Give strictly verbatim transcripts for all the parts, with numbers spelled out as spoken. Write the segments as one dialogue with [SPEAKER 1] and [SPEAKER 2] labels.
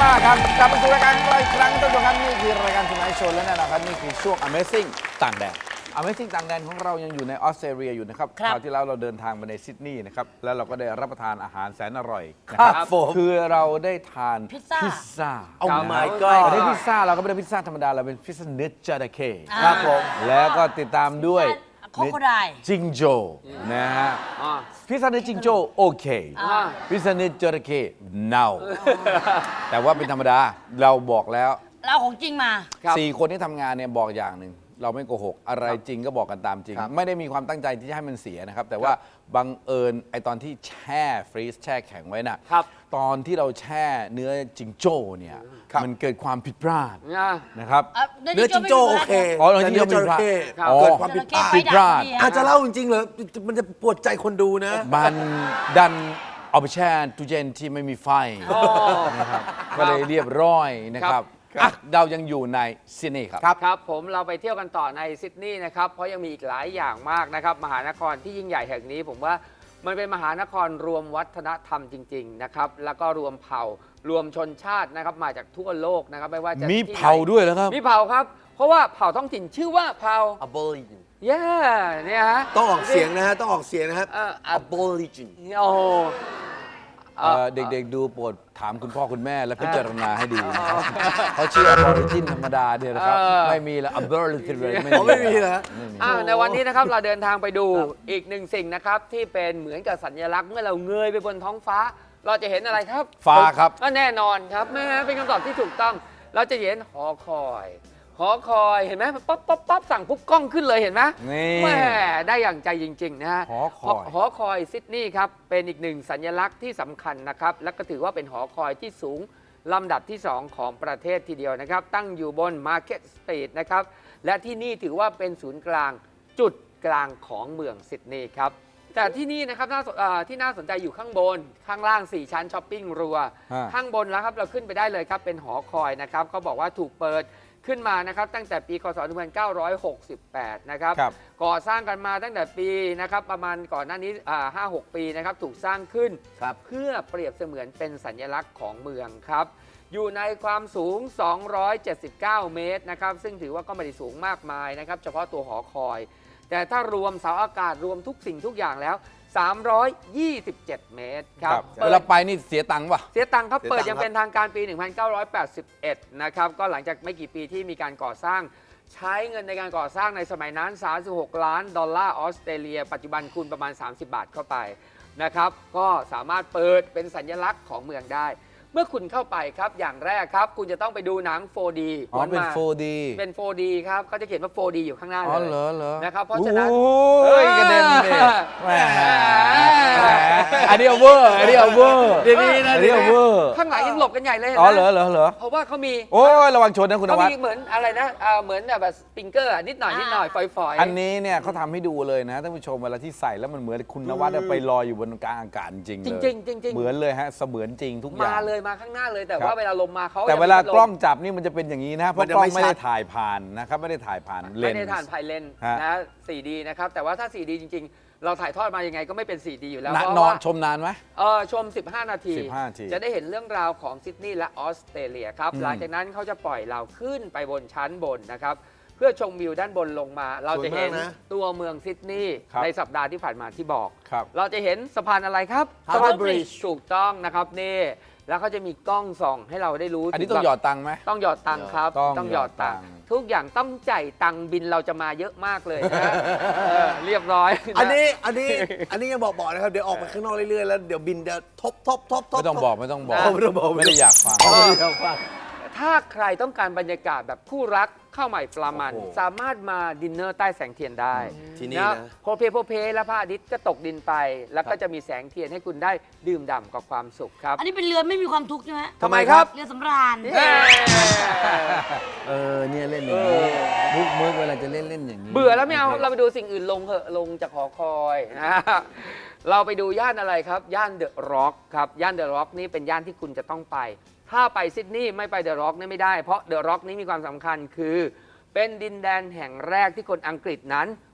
[SPEAKER 1] ซ่าครับกลับมาสู่รายการของเราอีกครั้งท่านผู้ชมครับนี่คือรายการทุนไอโชว์และแน่นอนครับนี่คือช่วง Amazing ต่างแดน Amazing ต่างแดนของเรายังอยู่ในออสเตรเลียอยู่นะครับคราวที่แล้วเราเดินทางไปในซิดนีย์นะครับแล้วเราก็ได้รับประทานอาหารแสนอร่อยนะครับคือเราได้ทานพิซซ่า
[SPEAKER 2] Oh my
[SPEAKER 1] ก็
[SPEAKER 2] god
[SPEAKER 1] ได้พิซซ่าเราก็ไม่ได้พิซซ่าธรรมดาเราเป็นพิซซ่าเนื้อจระเข้
[SPEAKER 2] ครับผม
[SPEAKER 1] แล้วก็ติดตามด้วย
[SPEAKER 3] โคโคได
[SPEAKER 1] จิงโจ้นะฮะพิซซ่าเนื้อจิงโจ้โอเคพิซซ่าเนื้อจระเข้เน่าแต่ว่าเป็นธรรมดาเราบอกแล้ว
[SPEAKER 3] เราของจริงมา
[SPEAKER 1] สี่คนที่ทำงานเนี่ยบอกอย่างหนึ่งเราไม่โกหกอะไรจริงก็บอกกันตามจริง ไม่ได้มีความตั้งใจที่จะให้มันเสียนะครับแต่ว่าบังเอิญไอตอนที่แช่ฟรีซแช่แข็งไว้น่ะตอนที่เราแช่เนื้อจิงโจ้เนี่ยมันเกิดความผิดพลาดนะครับ
[SPEAKER 2] เนื้อจิงโจ้โอเค
[SPEAKER 1] อ๋อเนื้อจิงโจ้
[SPEAKER 2] จระเข้
[SPEAKER 1] อ๋อ
[SPEAKER 2] เกิดความผิดพลาด
[SPEAKER 1] ผิดพลาด
[SPEAKER 2] อาจจะเล่าจริงๆเหรอมันจะปวดใจคนดูนะ
[SPEAKER 1] มันดันเอาไปแช่ตู้เย็นที่ไม่มีไฟนะครับก็เลยเรียบร้อยนะครับอ่ะเรายังอยู่ในซิดนีย์ครับ
[SPEAKER 4] ครับผมเราไปเที่ยวกันต่อในซิดนีย์นะครับเพราะยังมีอีกหลายอย่างมากนะครับมหานครที่ยิ่งใหญ่แห่งนี้ผมว่ามันเป็นมหานครรวมวัฒนธรรมจริงๆนะครับแล้วก็รวมเผ่ารวมชนชาตินะครับมาจากทั่วโลกนะครับไม่ว่าจะ
[SPEAKER 1] มี
[SPEAKER 4] ที่ไหน
[SPEAKER 1] เผ่าด้วยแล้วครับ
[SPEAKER 4] มีเผ่าครับเพราะว่าเผ่าท้องถิ่นชื่อว่าเผ่า
[SPEAKER 2] Aborigine
[SPEAKER 4] เย้เนี่ยฮะ
[SPEAKER 2] ต้องออกเสียงนะฮะต้องออกเสียงนะครับ
[SPEAKER 4] เอ่อ
[SPEAKER 2] Aborigine
[SPEAKER 4] โอ้โห
[SPEAKER 1] เอ่อเด็กๆดูโปรดถามคุณพ่อคุณแม่และพิจารณาให้ดีนะครับเขาชื่อ Aborigine ธรรมดาเนี่ยนะครับ
[SPEAKER 4] เออ
[SPEAKER 1] ไม่มีแล้ว Aborigine ไม่
[SPEAKER 2] อ๋อไม่มีเหรอ
[SPEAKER 1] ไม่มี
[SPEAKER 4] อ่าในวันนี้นะครับเราเดินทางไปดูอีกหนึ่งสิ่งนะครับที่เป็นเหมือนกับสัญลักษณ์เมื่อเราเงยไปบนท้องฟ้า เราจะเห็นอะไรครับ
[SPEAKER 1] ฟ้าครับ
[SPEAKER 4] ก็แน่นอนครับแม่เป็นคำตอบที่ถูกต้อง เราจะเห็นหอคอย หอคอยเห็นไหมป๊อปป๊อปป๊อปสั่งปุ๊บกล้องขึ้นเลยเห็นไหม
[SPEAKER 1] นี่
[SPEAKER 4] แม่ได้อย่างใจจริงๆนะฮะ
[SPEAKER 1] หอคอย
[SPEAKER 4] หอคอยซิดนีย์ครับเป็นอีกหนึ่งสัญลักษณ์ที่สำคัญนะครับและก็ถือว่าเป็นหอคอยที่สูงลำดับที่สองของประเทศทีเดียวนะครับตั้งอยู่บน Market Street นะครับและที่นี่ถือว่าเป็นศูนย์กลางจุดกลางของเมืองซิดนีย์ครับแต่ที่นี่นะครับน่าสนเอ่อที่น่าสนใจอยู่ข้างบน ข้างล่างสี่ชั้นช้อปปิ้งรัว
[SPEAKER 1] ฮะ
[SPEAKER 4] ข้างบนแล้วครับเราขึ้นไปได้เลยครับเป็นหอคอยนะครับเขาบอกว่าถูกเปิดขึ้นมานะครับตั้งแต่ปีคศหนึ่งพันเก้าร้อยหกสิบแปดนะครับ
[SPEAKER 1] ครับ
[SPEAKER 4] ก่อสร้างกันมาตั้งแต่ปีนะครับประมาณก่อนหน้านี้ห้าหกปีนะครับถูกสร้างขึ้นเพื่อเปรียบเสมือนเป็นสัญลักษณ์ของเมืองครับอยู่ในความสูงสองร้อยเจ็ดสิบเก้าเมตรนะครับซึ่งถือว่าก็ไม่ได้สูงมากมายนะครับเฉพาะตัวหอคอยแต่ถ้ารวมเสาอากาศรวมทุกสิ่งทุกอย่างแล้วสามร้อยยี่สิบเจ็ดเมตรครับ
[SPEAKER 1] เวลาไปนี่เสียตังค์ป่ะ
[SPEAKER 4] เสียตังค์ครับ
[SPEAKER 2] เสียตังค์
[SPEAKER 4] เปิดยัง
[SPEAKER 2] ครับ
[SPEAKER 4] เป็นทางการปี หนึ่งพันเก้าร้อยแปดสิบเอ็ด นะครับก็หลังจากไม่กี่ปีที่มีการก่อสร้างใช้เงินในการก่อสร้างในสมัยนั้น สามสิบหก ล้านดอลลาร์ออสเตรเลีย ปัจจุบันคูณประมาณ สามสิบบาทเข้าไปนะครับก็สามารถเปิดเป็นสัญลักษณ์ของเมืองได้ เมื่อคุณเข้าไปครับอย่างแรกครับคุณจะต้องไปดูหนัง โฟร์ ดี
[SPEAKER 1] อ๋อเป็น
[SPEAKER 4] มา
[SPEAKER 1] โฟร์ ดี
[SPEAKER 4] เป็น โฟร์ ดี ครับเขาจะเขียนว่า โฟร์ ดี อยู่ข้างหน้าเลย
[SPEAKER 1] อ๋อเหรอเหรอ
[SPEAKER 4] นะครับเพราะฉะนั้น
[SPEAKER 1] โอ้ยกระเด็นเลยแหมแหมอันนี้เอาเวอร์อันนี้เอาเวอร์
[SPEAKER 2] เดี๋ยวนี้นะ
[SPEAKER 1] อันนี้เอาเวอร์
[SPEAKER 4] ข้างหลังยังหลบกันใหญ่เลยห็น
[SPEAKER 1] อ๋
[SPEAKER 4] ไห
[SPEAKER 1] อ
[SPEAKER 4] ม
[SPEAKER 1] เหรอเหรอเหรอ
[SPEAKER 4] เพราะว่าเขามี
[SPEAKER 1] โอ้ยระวังชนนะคุณน
[SPEAKER 4] เขา
[SPEAKER 1] วัด
[SPEAKER 4] มีเหมือนอะไรนะเอ่อเหมือนแบบสปริงเกอร์อะนิดหน่อยนิดหน่อยฝอยๆ
[SPEAKER 1] อันนี้เนี่ยเขาทำให้ดูเลยนะท่านผู้ชมเวลาที่ใส่แล้วมันเหมือนคุณนวัดไปลอยอยู่บนกลางอากาศจริงๆเลย
[SPEAKER 4] จริงๆจริงๆ
[SPEAKER 1] เหมือนเลยฮะเสมือนจริงทุกอย่าง
[SPEAKER 4] มาเลยมาข้างหน้าเลยแต่
[SPEAKER 1] ครับ
[SPEAKER 4] ว่าเวลาลมมาเขา
[SPEAKER 1] แต่
[SPEAKER 4] ยัง
[SPEAKER 1] เวลา
[SPEAKER 4] ไม่
[SPEAKER 1] กล้องจับนี่มันจะเป็นอย่างนี้นะเพ
[SPEAKER 2] มั
[SPEAKER 1] ราะ
[SPEAKER 2] นจะ
[SPEAKER 1] กล้อ
[SPEAKER 2] ไม่
[SPEAKER 1] งไม่ได้
[SPEAKER 2] ชัด
[SPEAKER 1] ถ่ายผ่านนะครับไม่ได้ถ่ายผ่านเล
[SPEAKER 4] ไม่
[SPEAKER 1] นส์
[SPEAKER 4] ได้ถ่านไพเลน
[SPEAKER 1] ฮะ
[SPEAKER 4] นะ โฟร์ ดี นะครับแต่ว่าถ้า โฟร์ ดี จริง ๆ เราถ่ายทอดมายังไงก็ไม่เป็น โฟร์ ดี อยู่แล้ว
[SPEAKER 1] นะ
[SPEAKER 4] เพราะ
[SPEAKER 1] นอน
[SPEAKER 4] ว่า
[SPEAKER 1] ชมนานไหม
[SPEAKER 4] เออชม สิบห้า นาที
[SPEAKER 1] สิบห้านาที
[SPEAKER 4] จะได้เห็นเรื่องราวของซิดนีย์และออสเตรเลียครับ
[SPEAKER 1] อืม
[SPEAKER 4] หลังจากนั้นเขาจะปล่อยเราขึ้นไปบนชั้นบนนะครับเพื่อชมวิวด้านบนลงมา เราจะเห็น
[SPEAKER 2] สวยมากนะ
[SPEAKER 4] ตัวเมืองซิดนีย์ในสัปดาห์ที่ผ่านมาที่บอก
[SPEAKER 1] ครับ
[SPEAKER 4] เราจะเห็นสะพานอะไรครับ
[SPEAKER 2] Harbour
[SPEAKER 4] สะพาน
[SPEAKER 2] Bridge
[SPEAKER 4] ถูกต้องนะครับนี่แล้วเขาจะมีกล้องส่องให้เราได้รู้
[SPEAKER 1] อันนี้
[SPEAKER 4] ถึ
[SPEAKER 1] ต้อง
[SPEAKER 4] แบบ
[SPEAKER 1] หยอดตังค์ไหม
[SPEAKER 4] ต้องหยอดตังค์ครับ
[SPEAKER 1] ต้องหยอดตังค์
[SPEAKER 4] ทุกอย่างต้องจ่ายตังค์บินเราจะมาเยอะมากเลยนะเออเรียบร้อยะ
[SPEAKER 2] อันนี้อันนี้อันนี้ยังบอกบอกนะครับเดี๋ยวออกไปข้างนอกเรื่อยๆแล้วเดี๋ยวบินเดี๋ยวทบทบทบทบ
[SPEAKER 1] ไม่ต้องบอกไม่ต้องบอก
[SPEAKER 2] ไม่ต้องบอก
[SPEAKER 1] ไม่ได้อยากฟัง
[SPEAKER 2] เอาไม่ต้องฟัง
[SPEAKER 4] ถ้าใครต้องการบรรยากาศแบบคู่รักข้าวใหม่ปลามัน
[SPEAKER 2] โอ้โห
[SPEAKER 4] สามารถมาดินเนอร์ใต้แสงเทียนได้
[SPEAKER 2] ที่นี่นะ
[SPEAKER 4] โพเพโพเพแล้วพระอาทิตย์ก็ตกดินไป แล้วก็จะมีแสงเทียนให้คุณได้ดื่มด่ำกับความสุขครับ
[SPEAKER 3] อันนี้เป็นเรือไม่มีความทุกข์ใช่ไหม
[SPEAKER 4] ทำไมครับ
[SPEAKER 3] เรือสำราญ
[SPEAKER 4] เย้
[SPEAKER 1] เออเนี่ยเล่นอย่างนี้มุกมุกเวลาจะเล่นเล่นอย่างนี้
[SPEAKER 4] เบื่อแล้วไม่เอาเราไปดูสิ่งอื่นลงเถอะลงจากหอคอยนะเราไปดูย่านอะไรครับ ย่านเดอะร็อกครับย่านเดอะร็อกนี่เป็นย่านที่คุณจะต้องไป ถ้าไปซิดนีย์ไม่ไปเดอะร็อกนี่ไม่ได้เพราะเดอะร็อกนี้มีความสำคัญคือ เป็นดินแดนแห่งแรกที่คนอังกฤษนั้น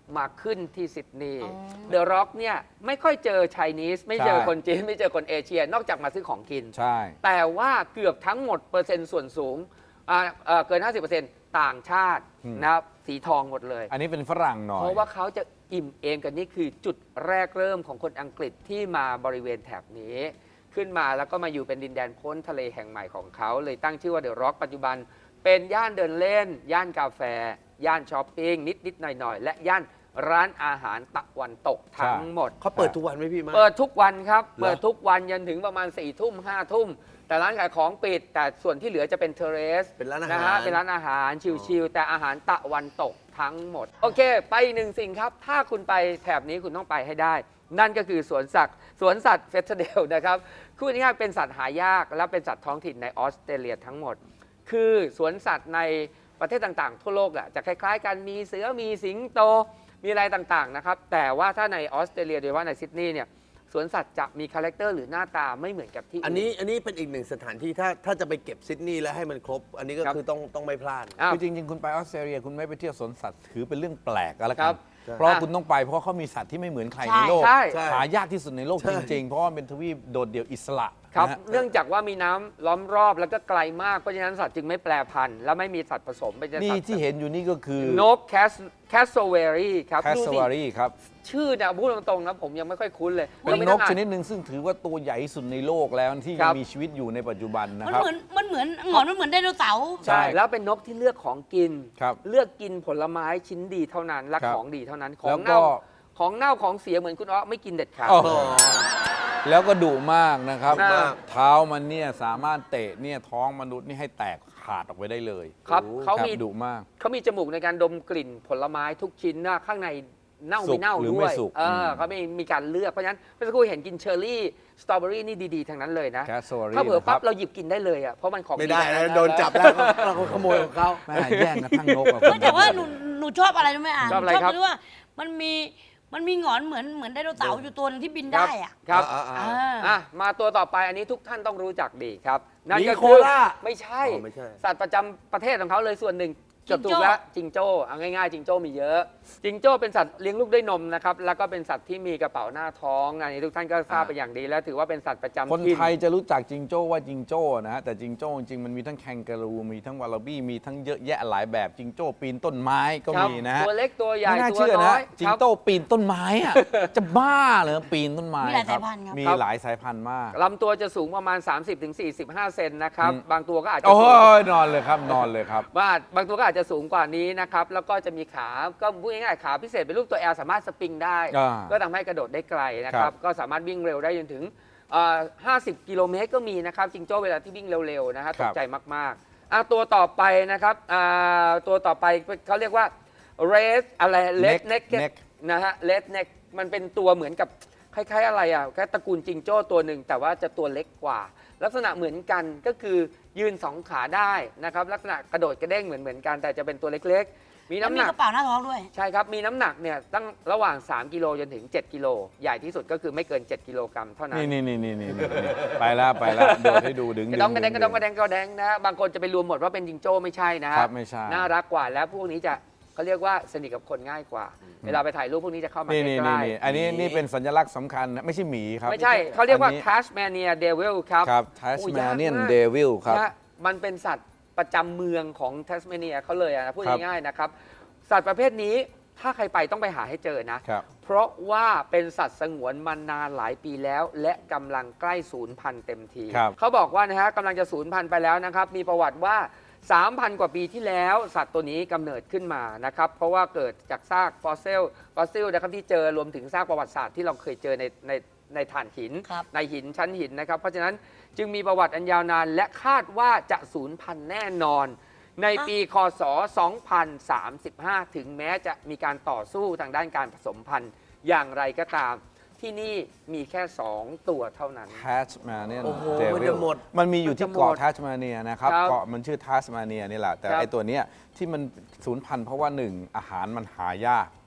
[SPEAKER 4] มาขึ้นที่ซิดนีย์เดอะร็อกเนี่ยไม่ค่อยเจอไชนีสไม่เจอ
[SPEAKER 1] ใช่
[SPEAKER 4] คนจีนไม่เจอคนเอเชีย นอกจากมาซื้อของกิน
[SPEAKER 1] ใช่
[SPEAKER 4] แต่ว่าเกือบทั้งหมดเปอร์เซ็นต์ส่วนสูงอ่าเอ่อเกิน ห้าสิบเปอร์เซ็นต์ ต่างชาติ
[SPEAKER 1] อืม
[SPEAKER 4] นะครับสีทองหมดเลย
[SPEAKER 1] อันนี้เป็นฝรั่งหน่อย
[SPEAKER 4] เพราะว่าเขาจะอิ่มเอมกันนี่คือจุดแรกเริ่มของคนอังกฤษที่มาบริเวณแถบนี้ ขึ้นมาแล้วก็มาอยู่เป็นดินแดนพ้นทะเลแห่งใหม่ของเขาเลยตั้งชื่อว่าเดอะร็อกปัจจุบันเป็นย่านเดินเล่น ย่านกาแฟ ย่านช้อปปิ้งนิด ๆ หน่อย ๆ และย่านร้านอาหารตะวันตกทั้งหมด
[SPEAKER 2] เขาเปิดทุกวันไหมพี่มา
[SPEAKER 4] เปิดทุกวันครับ
[SPEAKER 2] เหรอ
[SPEAKER 4] เปิดทุกวันยันถึงประมาณ4ี่ทุ่มห้าทุ่ม แต่ร้านขายของปิด แต่ส่วนที่เหลือจะเป็นเทเรส
[SPEAKER 2] เป็นร้านอาหาร
[SPEAKER 4] นะฮะเป็นร้านอาหารชิลๆแต่อาหารตะวันตกทั้งหมด โอเค ไปอีกหนึ่งสิ่งครับ ถ้าคุณไปแถบนี้คุณต้องไปให้ได้ นั่นก็คือสวนสัตว์สวนสัตว์เฟสเดลนะครับคือง่ายๆเป็นสัตว์หายากและเป็นสัตว์ท้องถิ่นในออสเตรเลียทั้งหมด คือสวนสัตว์ในประเทศต่างๆ ทั่วโลกอะจะคล้ายๆกันมีเสือมีสิงโต มีอะไรต่างๆนะครับแต่ว่าถ้าในออสเตรเลียโดยเฉพาะในซิดนีย์เนี่ยสวนสัตว์จะมีคาแรคเตอร์หรือหน้าตาไม่เหมือนกับที่
[SPEAKER 2] อันนี้อันนี้เป็นอีกหนึ่งสถานที่ถ้าถ้าจะไปเก็บซิดนีย์แล้วให้มันครบ อันนี้ก็
[SPEAKER 4] ครับ
[SPEAKER 2] คือต้องต้องไม่พลาด
[SPEAKER 4] อ้าว
[SPEAKER 1] คือจริง ๆ คุณไปออสเตรเลียคุณไม่ไปเที่ยวสวนสัตว์ถือเป็นเรื่องแปลกก็แล้ว
[SPEAKER 4] ค
[SPEAKER 1] กั
[SPEAKER 4] รั
[SPEAKER 1] น
[SPEAKER 4] บ
[SPEAKER 1] เพราะว่า
[SPEAKER 4] อ่ะ
[SPEAKER 1] คุณต้องไปเพราะเขามีสัตว์ที่ไม่เหมือนใคร
[SPEAKER 3] ใช่
[SPEAKER 1] ในโลก
[SPEAKER 4] ใช่
[SPEAKER 2] ใช่
[SPEAKER 1] หายากที่สุดในโลก
[SPEAKER 2] ใช่
[SPEAKER 1] จริง ๆ เพราะว่าเป็นทวีปโดดเดี่ยวอิสระ
[SPEAKER 4] ครับ
[SPEAKER 1] นะฮะ
[SPEAKER 4] เนื่องจากว่ามีน้ำล้อมรอบแล้วก็ไกลมากเพราะฉะนั้นสัตว์จึงไม่แปรพันธุ์และไม่มีสัตว์ผสมเป็นสัตว์
[SPEAKER 1] นี่ที่เห็นอยู่นี่ก็คือน
[SPEAKER 4] กแคสแคสโซเวอรี่ครับ
[SPEAKER 1] แคส
[SPEAKER 4] ดู
[SPEAKER 1] ซ
[SPEAKER 4] สิ
[SPEAKER 1] วารีครับ
[SPEAKER 4] ชื่อเนี่ยพูดตรงๆนะผมยังไม่ค่อยคุ้นเลย
[SPEAKER 1] เป็น
[SPEAKER 4] ไม่
[SPEAKER 1] น
[SPEAKER 4] ต้อก งอ่า
[SPEAKER 1] ชนิดหนึ่งซึ่งถือว่าตัวใหญ่ที่สุดในโลกแล้วที่
[SPEAKER 4] ครั
[SPEAKER 1] ยัง
[SPEAKER 4] บ
[SPEAKER 1] มีชีวิตอยู่ในปัจจุบันนะ
[SPEAKER 3] มัน
[SPEAKER 1] ครับ
[SPEAKER 3] เหมือนมันเหมือนหงอนมันเหมือนไดโนเสาร์
[SPEAKER 1] ใช่
[SPEAKER 4] ใช่แล้วเป็นนกที่เลือกของกิน
[SPEAKER 1] ครับ
[SPEAKER 4] เลือกกินผลไม้ชิ้นดีเท่านั้นและ
[SPEAKER 1] ครับ
[SPEAKER 4] ของดีเท่านั้นขอ
[SPEAKER 1] แล้
[SPEAKER 4] ง
[SPEAKER 1] วก็
[SPEAKER 4] เน่าของเน่าของเสียเหมือนคุณอ้อไม่กินเด็ดขาด
[SPEAKER 1] โอ้โหแล้วก็ดุมากนะครับ
[SPEAKER 4] ดุมาก
[SPEAKER 1] เท้ามันเนี่ยสามารถเตะเนี่ยท้องมนุษย์นี่ให้แตกขาดออกไปได้เลย
[SPEAKER 4] ครับเขา
[SPEAKER 1] ครับ
[SPEAKER 4] มี
[SPEAKER 1] ดุมาก
[SPEAKER 4] เขามีจมูกในการดมกลิ่นผลไม้ทุกชิ้นนะข้างในเน่า
[SPEAKER 1] สุ
[SPEAKER 4] ไม่
[SPEAKER 1] ก
[SPEAKER 4] เน่า
[SPEAKER 1] หรือ
[SPEAKER 4] ด้
[SPEAKER 1] ไม่
[SPEAKER 4] วย
[SPEAKER 1] สุก
[SPEAKER 4] เออ
[SPEAKER 1] ม
[SPEAKER 4] เขาไม่มีการเลือกเพราะฉะนั้นเมื่อสักครู่เห็นกินเชอร์รี่สตรอเบอรี่นี่ดีๆทั้งนั้นเลยนะ
[SPEAKER 1] แคสซวารี
[SPEAKER 4] ถ้าเผื่อปั๊บ
[SPEAKER 1] นะครับ
[SPEAKER 4] เราหยิบกินได้เลยอ่ะเพราะมันของ
[SPEAKER 2] ไม่ได้
[SPEAKER 4] ทั้ง
[SPEAKER 2] นะโดนจับแล้วเราขโมยของเขา
[SPEAKER 1] แม่แย่งกระทั่งนกอะ
[SPEAKER 3] เฮ้ยแต่ว่าหนูหนูชอบอะไรรู้ไหมอ่ะ
[SPEAKER 4] ชอบอะไร
[SPEAKER 3] หนู
[SPEAKER 4] ครับ
[SPEAKER 3] ตงที่ว่ามันมีมันมีหงอนเหมือนเหมือนไดโนเสาร์อยู่ตัวหนึงที่บินได้อ่ะ
[SPEAKER 4] ครับ
[SPEAKER 2] อ่าอ่า
[SPEAKER 3] อ่า
[SPEAKER 4] อ่ะมาตัวต่อไปอันนี้ทุกท่านต้องรู้จักดีครับนั่นก็
[SPEAKER 2] มีโค
[SPEAKER 4] คือ
[SPEAKER 2] ล่า
[SPEAKER 4] ไม่ใช่
[SPEAKER 2] อ๋อไม่ใช่
[SPEAKER 4] สัตว์ประจำประเทศของเขาเลยส่วนหนึ่ง
[SPEAKER 3] จิ
[SPEAKER 4] เกือบ
[SPEAKER 3] งโจ้
[SPEAKER 4] ถูกแล้วจิงโจ้เอาง่ายๆจิงโจ้มีเยอะ จิงโจ้เป็นสัตว์เลี้ยงลูกด้วยนมนะครับแล้วก็เป็นสัตว์ที่มีกระเป๋าหน้าท้องอันนี้ทุกท่านก็ทราบไปอย่างดี แล้วถือว่าเป็นสัตว์ประจำ
[SPEAKER 1] คน
[SPEAKER 4] ถิ่น
[SPEAKER 1] ไทยจะรู้จักจิงโจ้ว่าจิงโจ้นะฮะแต่จิงโจ้จริงๆมันมีทั้งแคนการูมีทั้งวาลาบี้มีทั้งเยอะแยะหลายแบบจิงโจ้ปีนต้นไม้ก็
[SPEAKER 4] ครับ
[SPEAKER 1] มีนะฮะ
[SPEAKER 4] ตัวเล็กตัวใหญ่
[SPEAKER 1] ไม่น่า
[SPEAKER 4] ตัว
[SPEAKER 1] เชื่อ
[SPEAKER 4] น้
[SPEAKER 1] นะ
[SPEAKER 4] อย
[SPEAKER 1] จิ
[SPEAKER 4] ค
[SPEAKER 1] ง
[SPEAKER 4] รับ
[SPEAKER 1] โจ้ปีนต้นไม้อะ จะบ้าเหรอปีนต้นไม้
[SPEAKER 3] มีหลาย
[SPEAKER 1] ครับ
[SPEAKER 3] สายพันธุ์ครับ
[SPEAKER 1] มีหลายสายพันธุ์มาก
[SPEAKER 4] ลำตัวจะสูงประมาณ สามสิบถึงสี่สิบห้า เซนนะครับ
[SPEAKER 1] อืม
[SPEAKER 4] บางตัวก็อาจจะ
[SPEAKER 1] โอ้
[SPEAKER 4] สูง
[SPEAKER 1] ยนอนเลยครับนอนเลยครับ
[SPEAKER 4] ว่าบางตัวก็อาจจะสูงกว่านี้นะครับแล้วก็จะมีขาก็พูดง่ายๆขาพิเศษเป็นรูปตัว L สามารถสปริงได้
[SPEAKER 1] อ่า
[SPEAKER 4] ก็ทำให้กระโดดได้ไกลนะค
[SPEAKER 1] ครั
[SPEAKER 4] รับบ ก็สามารถวิ่งเร็วได้จนถึงเอ่อห้าสิบกิโลเมตรก็มีนะครับจิงโจ้เวลาที่วิ่งเร็วๆนะฮะ
[SPEAKER 1] ค
[SPEAKER 4] ต
[SPEAKER 1] รั
[SPEAKER 4] ก
[SPEAKER 1] บ
[SPEAKER 4] ใจมากๆอ่ะตัวต่อไปนะครับอ่าตัวต่อไปเขาเรียกว่า red อะไร red
[SPEAKER 1] Neck
[SPEAKER 4] neck
[SPEAKER 1] Neck
[SPEAKER 4] นะฮะ red neck มันเป็นตัวเหมือนกับคล้ายๆอะไรอ่ะแค่ตระกูลจิงโจ้ตัวหนึ่งแต่ว่าจะตัวเล็กกว่า ลักษณะเหมือนกันก็คือยืนสองขาได้นะครับลักษณะกระโดดกระเด้งเหมือนเหมือนกันแต่จะเป็นตัวเล็กๆ มี
[SPEAKER 3] แล้ว
[SPEAKER 4] น้ำ
[SPEAKER 3] มี
[SPEAKER 4] หนัก
[SPEAKER 3] กระเป๋าหน้าท้องด้วย
[SPEAKER 4] ใช่ครับ มีน้ำหนักเนี่ยตั้งระหว่าง สาม กิโลจนถึง เจ็ด กิโล ใหญ่ที่สุดก็คือไม่เกิน เจ็ด กิโลกรัมเท่านั้น
[SPEAKER 1] นี่นี่นี่นี่นี่นี่ไปแล้วไปแล้วโดดให้ดูดึง
[SPEAKER 4] กระดองกระแดงกระดองกระแด
[SPEAKER 1] ง
[SPEAKER 4] งกระแดงนะฮะบางคนจะไปรวมหมดว่าเป็นจิงโจ้ไม่ใช่นะฮะ
[SPEAKER 1] ครับไม่ใช่
[SPEAKER 4] น่ารักกว่าแล้วพวกนี้จะเขาเรียกว่าสนิทกับคนง่ายกว่า เวลาไปถ่ายรูปพวกนี้จะเข้ามา
[SPEAKER 1] นี่
[SPEAKER 4] ใก
[SPEAKER 1] นี่
[SPEAKER 4] ล้
[SPEAKER 1] นี่นี่อันนี้นี่เป็นสัญลักษณ์สำคัญนะไม่ใช่หมีครับ
[SPEAKER 4] ๆไม่ใช่เขาเรียกว่า
[SPEAKER 1] อันนี้
[SPEAKER 4] Tasmania Devil ครับ
[SPEAKER 1] ครับ
[SPEAKER 4] โอ้ยาก
[SPEAKER 1] Tasmanian
[SPEAKER 4] มาก
[SPEAKER 1] Devil ครับ
[SPEAKER 4] นะมันเป็นสัตว์ประจำเมืองของแทสเมเนียเขาเลยอะนะพูด
[SPEAKER 1] ครับ
[SPEAKER 4] ง่ายๆนะครับ สัตว์ประเภทนี้ถ้าใครไปต้องไปหาให้เจอนะ
[SPEAKER 1] ครับ
[SPEAKER 4] เพราะว่าเป็นสัตว์สงวนมานานหลายปีแล้ว และกำลังใกล้สูญพันธุ์เต็มที
[SPEAKER 1] ครับ
[SPEAKER 4] เขาบอกว่านะฮะกำลังจะสูญพันธุ์ไปแล้วนะครับ มีประวัติว่า สามพัน กว่าปีที่แล้ว สัตว์ตัวนี้กำเนิดขึ้นมานะครับ เพราะว่าเกิดจากซากฟอสซิลฟอสซิลนะครับที่เจอรวมถึงซากประวัติศาสตร์ที่เราเคยเจอในในในถ่านหิน
[SPEAKER 3] ครับ
[SPEAKER 4] ในหินชั้นหินนะครับ เพราะฉะนั้นจึงมีประวัติอันยาวนาน และคาดว่าจะสูญพันธุ์แน่นอน ในปีคศ สองพันสามสิบห้า ถึงแม้จะมีการต่อสู้ทางด้านการผสมพันธุ์อย่างไรก็ตาม ที่นี่มีแค่ สอง ตัวเท่านั้น
[SPEAKER 1] Tasmanian
[SPEAKER 2] โอ้โห
[SPEAKER 1] Devil
[SPEAKER 2] มันจะหมด
[SPEAKER 1] มันมีอยู่ที่
[SPEAKER 4] มันจะหม
[SPEAKER 1] เกาะ
[SPEAKER 4] ด
[SPEAKER 1] ทัสมาเนียนะครับ
[SPEAKER 4] ครับ
[SPEAKER 1] เกาะมันชื่อทัสมาเนียนี่แหละแต่
[SPEAKER 4] ครับ
[SPEAKER 1] ไอตัวเนี้ยที่มันสูญพันธุ์เพราะว่าหนึ่งอาหารมันหายาก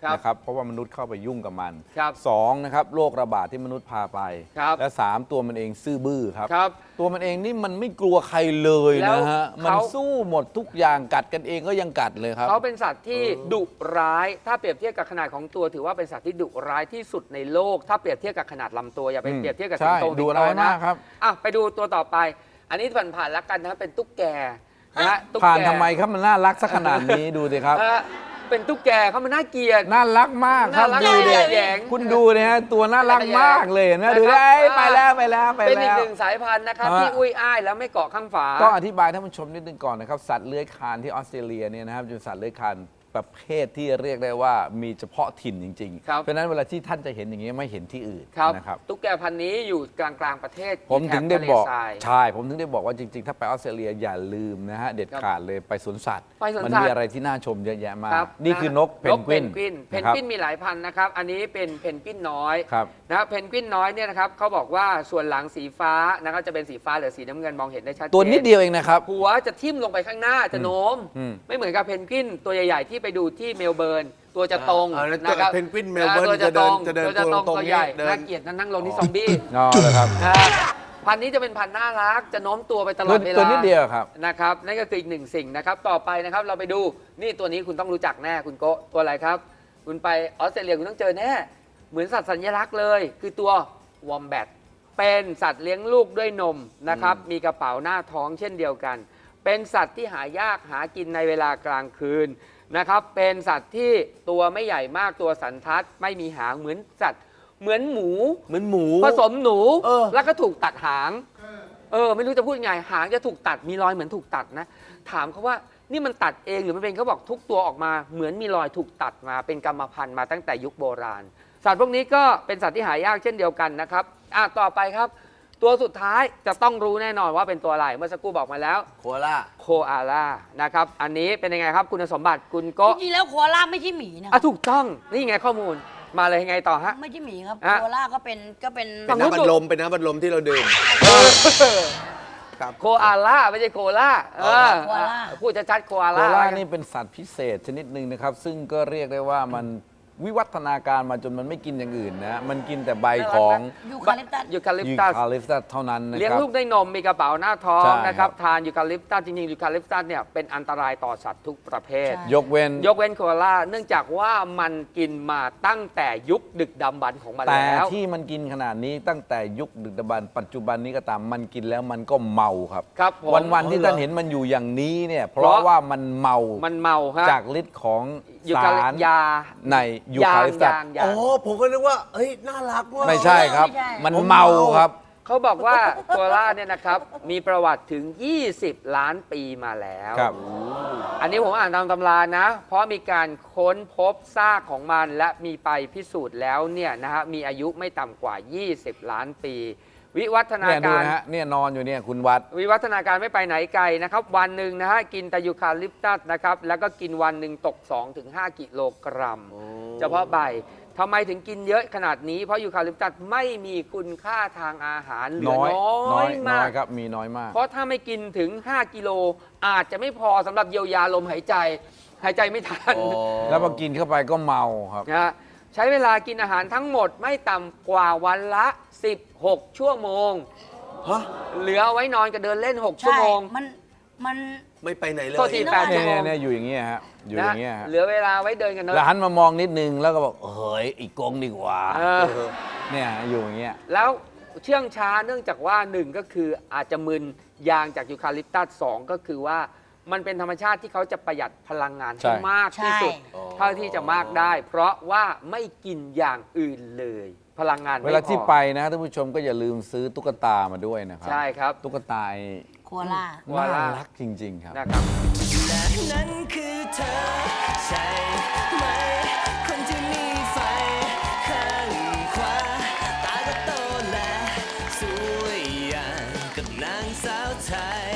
[SPEAKER 4] ครับ
[SPEAKER 1] นะครับเพราะว่ามนุษย์เข้าไปยุ่งกับมัน
[SPEAKER 4] ครับ
[SPEAKER 1] สองนะครับโรคระบาดที่มนุษย์พาไป
[SPEAKER 4] ครับ
[SPEAKER 1] และสามตัวมันเองซื่อบื้อครับ
[SPEAKER 4] ครับ
[SPEAKER 1] ตัวมันเองนี่มันไม่กลัวใครเลย
[SPEAKER 4] แล้ว
[SPEAKER 1] นะฮะมัน
[SPEAKER 4] เขา
[SPEAKER 1] สู้หมดทุกอย่างกัดกันเองก็ยังกัดเลยครับ
[SPEAKER 4] เขาเป็นสัตว์ที่ดุร้าย ถ้าเปรียบเทียบกับขนาดของตัวถือว่าเป็นสัตว์ที่ดุร้ายที่สุดในโลก ถ้าเปรียบเทียบกับขนาดลำตัวอย่าไป
[SPEAKER 1] อืม
[SPEAKER 4] เปรียบเทียบกับ
[SPEAKER 1] ใช่
[SPEAKER 4] สิงโต
[SPEAKER 1] ดุ
[SPEAKER 4] สิงโต
[SPEAKER 1] ร้าย
[SPEAKER 4] นะ
[SPEAKER 1] มากครับ
[SPEAKER 4] อ่ะไปดูตัวต่อไป อันนี้ผ่านๆแล้วกันนะเป็นตุ๊กแกนะฮะตุ๊ก
[SPEAKER 1] ผ่าน
[SPEAKER 4] แก
[SPEAKER 1] ทำไมครับมันน่ารักสักขนาดนี้ดูสิครับ
[SPEAKER 4] เอ่อเป็นตุ๊กแกเขามันน่าเกลียด
[SPEAKER 1] น่ารักมากครับ
[SPEAKER 4] น่ารัก
[SPEAKER 1] ดูดิ
[SPEAKER 4] แยง
[SPEAKER 1] คุณดูนะฮะตัวน่ารักมากเลยเห็นไหมดูดิ
[SPEAKER 4] นะครับ
[SPEAKER 1] เอ้ยไปแล้วไปแล้วไป
[SPEAKER 4] เป็นอี
[SPEAKER 1] แล้
[SPEAKER 4] ก
[SPEAKER 1] ว
[SPEAKER 4] หนึ่งสายพันธุ์นะครับ
[SPEAKER 1] ฮะ
[SPEAKER 4] ที่อุ้ยอ้ายแล้วไม่เกาะข้างฝา
[SPEAKER 1] ต้องอธิบายท่านผู้ชมนิดนึงก่อนนะครับ สัตว์เลื้อยคลานที่ออสเตรเลียเนี่ยนะครับเป็นสัตว์เลื้อยคลานประเภทที่เรียกได้ว่ามีเฉพาะถิ่นจริง
[SPEAKER 4] ครับ
[SPEAKER 1] ๆ เพราะฉะนั้นเวลาที่ท่านจะเห็นอย่างนี้ไม่เห็นที่อื่น
[SPEAKER 4] ครับ
[SPEAKER 1] นะครับ
[SPEAKER 4] ตุ๊กแกพันธุ์นี้อยู่กลางกลางๆประเทศ
[SPEAKER 1] ผมถึงได้
[SPEAKER 4] แถ
[SPEAKER 1] บอก
[SPEAKER 4] ทะเลทราย
[SPEAKER 1] ใช่ผมถึงได้บอกว่าจริงๆ ถ้าไปออสเตรเลียอย่าลืมนะฮะเด็ดขาดเลยไปสวนสัตว์
[SPEAKER 4] ไปสวน
[SPEAKER 1] มั
[SPEAKER 4] สัตว์
[SPEAKER 1] มีอะไรที่น่าชมเยอะแยะมาก
[SPEAKER 4] ครับ
[SPEAKER 1] นี่คือนกเพนกวิน
[SPEAKER 4] เพน
[SPEAKER 1] นะครับ
[SPEAKER 4] กวินมีหลายพันธุ์นะครับ อันนี้เป็นเพนกวินน้อย
[SPEAKER 1] ครับ
[SPEAKER 4] นะครับเพนกวินน้อยเนี่ยนะครับเขาบอกว่าส่วนหลังสีฟ้านะครับจะเป็นสีฟ้าหรือสีน้ำเงินมองเห็นได้ชัดเจน
[SPEAKER 1] ตัวนิดเดียวเองนะครับ
[SPEAKER 4] หัวจะทิ่มลงไปข้างหน้าจะโน้ม
[SPEAKER 1] อืม
[SPEAKER 4] ไม่เหมือนกับเพนกวินตัวใหญ่ๆที่ไปดูที่เมลเบิร์นตัวจะตรง
[SPEAKER 2] อ่าแล้ว
[SPEAKER 4] นะครับ
[SPEAKER 2] เพนกวินเมลเบิร์น
[SPEAKER 4] ตัวจะตรง
[SPEAKER 2] จะเดิน
[SPEAKER 4] ตัวจะตรง
[SPEAKER 2] ตัวตรง
[SPEAKER 4] ตัวใหญ่
[SPEAKER 2] เดิน
[SPEAKER 4] น่าเกลียดนั่งลงที่ซอมบี้
[SPEAKER 1] อ๋อเลยครับ
[SPEAKER 4] ครับพันธุ์นี้จะเป็นพันธุ์น่ารักจะโน้มตัวไปตลอดเวลา
[SPEAKER 1] ตัวนิดเดียวครับ
[SPEAKER 4] นะครับนั่นก็คืออีกหนึ่งสิ่งนะครับต่อไปนะครับเราไปดูนี่ตัวนี้คุณต้องรู้จักแน่คุณโกะตัวอะไรครับ คุณไปออสเตรเลียคุณต้องเจอแน่เหมือนสัตว์สัญลักษณ์เลย คือตัววอมแบทเป็นสัตว์เลี้ยงลูกด้วยนมนะครับมีกระเป๋าหน้าท้องเช่นเดียวกัน เป็นสัตว์ที่หายากหากินในเวลากลางคืนนะครับเป็นสัตว์ที่ตัวไม่ใหญ่มากตัวสันทัดไม่มีหางเหมือนสัตว์เหมือนหมู
[SPEAKER 2] เหมือนหมู
[SPEAKER 4] ผสมหนู
[SPEAKER 2] เออ
[SPEAKER 4] แล้วก็ถูกตัดหาง เออ ไม่รู้จะพูดยังไง หางจะถูกตัด มีรอยเหมือนถูกตัดนะ ถามเขาว่านี่มันตัดเองหรือมันเป็นเขาบอกทุกตัวออกมา เหมือนมีรอยถูกตัดมา เป็นกรรมพันธุ์มาตั้งแต่ยุคโบราณ สัตว์พวกนี้ก็เป็นสัตว์ที่หายากเช่นเดียวกันนะครับ อ่ะ ต่อไปครับ ตัวสุดท้ายจะต้องรู้แน่นอนว่าเป็นตัวอะไร เมื่อสักครู่บอกมาแล้ว
[SPEAKER 2] โคล่า
[SPEAKER 4] โคอาล่า นะครับ อันนี้เป็นยังไงครับคุณสมบัติคุณ
[SPEAKER 3] จ
[SPEAKER 4] โก็
[SPEAKER 3] ริงๆแล้วโคอาล่าไม่ใช่หมีนะ
[SPEAKER 4] อ่ะถูกต้อง นี่ไงข้อมูล มาเลยยังไงต่อฮะ
[SPEAKER 3] ไม่ใช่หมีครับ
[SPEAKER 4] อ่ะ
[SPEAKER 3] โคอาล่าก็เป็นก็เป็น
[SPEAKER 4] ฝั่
[SPEAKER 2] เป็น
[SPEAKER 4] งนู้น
[SPEAKER 2] น้ำบัดลมเป็นน้ำบัดลมที่เราดื่มครับ
[SPEAKER 4] โคอาล่าไม่ใช่โคล่าเออ
[SPEAKER 3] โคอาล่า
[SPEAKER 4] พูดชัดๆโคอา
[SPEAKER 1] โค
[SPEAKER 4] ล่า
[SPEAKER 1] ล่านี่เป็นสัตว์พิเศษชนิดหนึ่งนะครับ ซึ่งก็เรียกได้ว่ามันวิวัฒนาการมาจนมันไม่กินอย่างอื่นนะ มันกินแต่ใบของ
[SPEAKER 3] ยูคาลิปตัส
[SPEAKER 4] ยูคาลิป
[SPEAKER 1] ยู
[SPEAKER 4] ตัส
[SPEAKER 1] คาลิปตัสเท่านั้นนะ
[SPEAKER 4] เลี้ยง
[SPEAKER 1] ครับ
[SPEAKER 4] ลูกด้วยนมมีกระเป๋าหน้าท้อง
[SPEAKER 1] ใช่
[SPEAKER 4] นะครับ
[SPEAKER 1] ครับ
[SPEAKER 4] ทานยูคาลิปตัสจริงๆยูคาลิปตัสเนี่ยเป็นอันตรายต่อสัตว์ทุกประเภท
[SPEAKER 3] ใช่
[SPEAKER 1] ยกเว้น
[SPEAKER 4] ยกเว้นโคอาล่าเนื่องจากว่ามันกินมาตั้งแต่ยุคดึกดำบรรพ์ของมัน
[SPEAKER 1] แต่
[SPEAKER 4] แล้ว
[SPEAKER 1] ที่มันกินขนาดนี้ตั้งแต่ยุคดึกดำบรรพ์ปัจจุบันนี้ก็ตามมันกินแล้วมันก็เมาครับ
[SPEAKER 4] ครับผม
[SPEAKER 1] วันวันๆที่
[SPEAKER 2] อ๋อเหรอ
[SPEAKER 1] ท่านเห็นมันอยู่อย่างนี้เนี่ย เพ
[SPEAKER 4] เพ
[SPEAKER 1] ราะ
[SPEAKER 4] ราะ
[SPEAKER 1] ว่ามันเมา
[SPEAKER 4] มันเมาฮะ
[SPEAKER 1] จากฤทธิ์ของ
[SPEAKER 4] ยู
[SPEAKER 1] สา
[SPEAKER 4] คาลิ
[SPEAKER 1] ร
[SPEAKER 4] ยา
[SPEAKER 1] ในยูคาลิปตัส
[SPEAKER 4] ยางยาง
[SPEAKER 2] อ๋อ ผมก็นึกว่า เฮ้ย น่ารักว่ะ
[SPEAKER 1] ไม่ใช่ครับ
[SPEAKER 3] ไม่ใช่
[SPEAKER 1] มัน
[SPEAKER 2] ผม
[SPEAKER 1] เมา
[SPEAKER 2] เมา
[SPEAKER 1] ครับ
[SPEAKER 4] เขาบอกว่าโคอาล่าเนี่ยนะครับมีประวัติถึง ยี่สิบ ล้านปีมาแล้ว
[SPEAKER 1] ครับ
[SPEAKER 4] อันนี้ผมอ่านตามตำรานะ เพราะมีการค้นพบซากของมันและมีไปพิสูจน์แล้วเนี่ยนะฮะมีอายุไม่ต่ำกว่า ยี่สิบ ล้านปี วิวัฒนา
[SPEAKER 1] เนี่ยดู
[SPEAKER 4] การ
[SPEAKER 1] นะฮะเนี่ยนอนอยู่เนี่ยคุณวัด
[SPEAKER 4] วิวัฒนาการไม่ไปไหนไกลนะครับ วันหนึ่งนะฮะกินแต่ยูคาลิปตัสนะครับแล้วก็กินวันหนึ่งตก สองถึงห้า กิโลกรัม เฉพาะใบทำไมถึงกินเยอะขนาดนี้เพราะยูคาลิปตัสไม่มีคุณค่าทางอาหารเหลือ
[SPEAKER 1] น้อย
[SPEAKER 4] น้
[SPEAKER 1] น้
[SPEAKER 4] อ
[SPEAKER 1] อย ย
[SPEAKER 4] มาก
[SPEAKER 1] ครับมีน้อยมาก
[SPEAKER 4] เพราะถ้าไม่กินถึง ห้า กิโลอาจจะไม่พอสำหรับเยียวยาลมหายใจ หายใจไม่ทัน
[SPEAKER 1] แล้วพอกินเข้าไปก็เมาครับ
[SPEAKER 4] นะฮะใช้เวลากินอาหารทั้งหมดไม่ต่ำกว่าวันละ สิบหก ชั่วโมง
[SPEAKER 2] ฮะ
[SPEAKER 4] เหลือเอาไว้นอนกับเดินเล่น หก ชั่ว
[SPEAKER 3] ใช่
[SPEAKER 4] โมง
[SPEAKER 3] มันมัน
[SPEAKER 2] ไม่ไปไหนเลย
[SPEAKER 4] โทษที แปด ชั่
[SPEAKER 1] เนี่
[SPEAKER 4] วย โมง
[SPEAKER 1] เนี่ยเนี่ยอยู่อย่างเงี้ยฮะอยู่อย่างเงี้ย
[SPEAKER 4] นะ
[SPEAKER 1] ฮะ
[SPEAKER 4] เหลือเวลาไว้เดินกันเน
[SPEAKER 1] แล้ว
[SPEAKER 4] อะ
[SPEAKER 1] หันมามองนิดนึงแล้วก็บอกเฮ้ยอีกกงดีกว่า
[SPEAKER 4] เออ
[SPEAKER 1] เนี่ยอยู่อย่างเงี้ย
[SPEAKER 4] แล้วเชื่องช้าเนื่องจากว่าหนึ่งก็คืออาจจะมึนยางจากยูคาลิปตัสสองก็คือว่ามันเป็นธรรมชาติที่เขาจะประหยัดพลังงาน
[SPEAKER 1] ใช่
[SPEAKER 4] ให้มากที่สุด
[SPEAKER 3] ใช่
[SPEAKER 4] เท่าที่จะมากได้ เพราะว่าไม่กินอย่างอื่นเลย พลังงานไม่
[SPEAKER 1] เวลาที่
[SPEAKER 4] พอ
[SPEAKER 1] ไปนะท่านผู้ชมก็อย่าลืมซื้อตุ๊กตามาด้วยนะครับ
[SPEAKER 4] ใช่ครับ
[SPEAKER 1] ตุ๊กตาไอ้
[SPEAKER 3] โคอาล่า
[SPEAKER 4] ว่า
[SPEAKER 1] น่ารักจริง ๆ ครับ
[SPEAKER 4] นะครับ
[SPEAKER 5] นั้นคือเธอ ใช่ไหม คนที่มีไฟข้างขวา ตาก็โตและสวยอย่างกับนางสาวไทย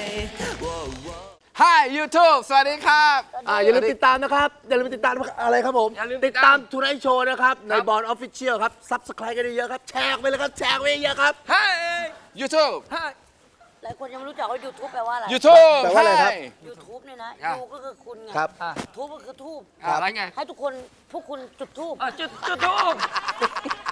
[SPEAKER 1] Hi YouTube สวัสดีครับ
[SPEAKER 2] อ่าอย่าลืมติดตามนะครับ อย่าลืมติดตามอะไรครับผม
[SPEAKER 4] อย่าลืมติ
[SPEAKER 2] ติ
[SPEAKER 4] ด
[SPEAKER 2] ด
[SPEAKER 4] ตา
[SPEAKER 2] ตาม มทูไนท์โชว์นะครับ ในบอลออฟฟิเชียลครับซับสไครต์กันเยอะๆครับ แชร์ไปเลยครับ แชร์ไปเยอะๆครับ
[SPEAKER 1] Hi YouTube
[SPEAKER 3] หลายคนยังไม่รู้จักว่า YouTube แปลว่าอะไร
[SPEAKER 1] YouTube
[SPEAKER 2] แปลว่าอะไรครับ
[SPEAKER 3] YouTube เนี่ยนะ
[SPEAKER 4] อ่ะ
[SPEAKER 3] ยูก็คือคุณไง
[SPEAKER 2] ครับ
[SPEAKER 3] ทูบก็คือทูบ
[SPEAKER 4] อะไรไง
[SPEAKER 3] ให้ทุกคนพวกคุณจุดทูบ
[SPEAKER 4] อ่ะจุดจุดทูบ